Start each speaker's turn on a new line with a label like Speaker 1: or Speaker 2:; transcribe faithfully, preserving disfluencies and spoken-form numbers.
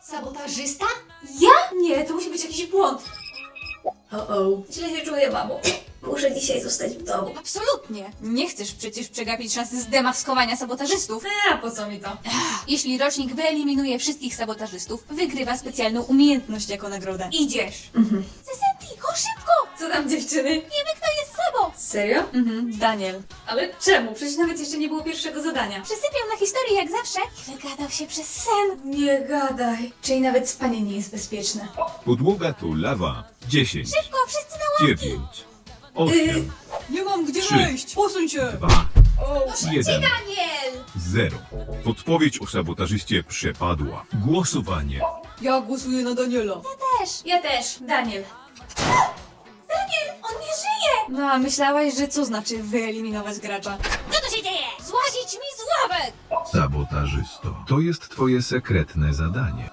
Speaker 1: Sabotażysta?
Speaker 2: Ja? Nie, to musi być jakiś błąd.
Speaker 1: O-o. Źle się czuję, mamo. Muszę dzisiaj zostać w domu.
Speaker 2: Absolutnie. Nie chcesz przecież przegapić szansy zdemaskowania sabotażystów.
Speaker 1: A po co mi to?
Speaker 2: Jeśli rocznik wyeliminuje wszystkich sabotażystów, wygrywa specjalną umiejętność jako nagrodę. Idziesz.
Speaker 1: Mhm.
Speaker 2: Sesenti, chodź szybko!
Speaker 1: Co tam, dziewczyny?
Speaker 2: Wiemy, kto jest sobą!
Speaker 1: Serio?
Speaker 2: Mhm, Daniel.
Speaker 1: Ale czemu? Przecież nawet jeszcze nie było pierwszego zadania.
Speaker 2: Przysypiał na historii jak zawsze i wygadał się przez sen.
Speaker 1: Nie gadaj. Czyli nawet spanie nie jest bezpieczne.
Speaker 3: Podłoga to lawa. dziesięć,
Speaker 2: Szybko, wszyscy na ławki!
Speaker 3: dziewięć, osiem,
Speaker 2: Nie mam gdzie
Speaker 3: Trzy.
Speaker 2: wejść! Posuń się!
Speaker 3: dwa,
Speaker 1: O,
Speaker 3: jeden,
Speaker 2: Daniel!
Speaker 3: zero. Podpowiedź o sabotażyście przepadła. Głosowanie.
Speaker 2: Ja głosuję na Daniela. Ja też.
Speaker 1: ja też. Daniel.
Speaker 2: Daniel, on nie żyje! No a myślałaś, że co znaczy wyeliminować gracza? Co tu się dzieje? Złazić mi z ławek!
Speaker 3: Sabotażysto. To jest twoje sekretne zadanie.